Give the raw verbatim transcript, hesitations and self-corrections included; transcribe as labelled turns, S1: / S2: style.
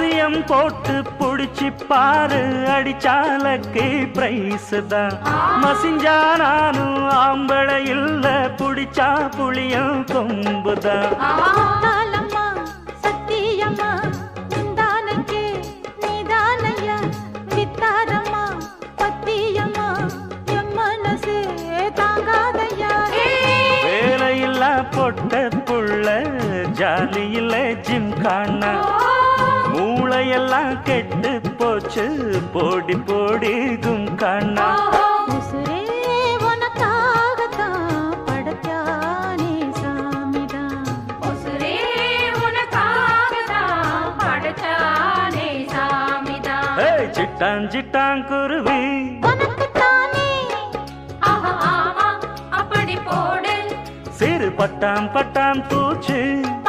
S1: அவசியம் போட்டு புடிச்சு பாரு அடிச்சாலக்கு பிரைஸ் தான் மசிஞ்சா நானும் ஆம்பளை இல்ல புடிச்சா புளியும் கொம்புதான் வேலையில்லா பொட்ட புள்ள ஜாலியில ஜிம்கானா மூளையெல்லாம் கெட்டு போச்சு போடி போடி கும்கானா சிட்டான் சிட்டான் குருவி சிறு பட்டாம் பட்டாம் பூச்சி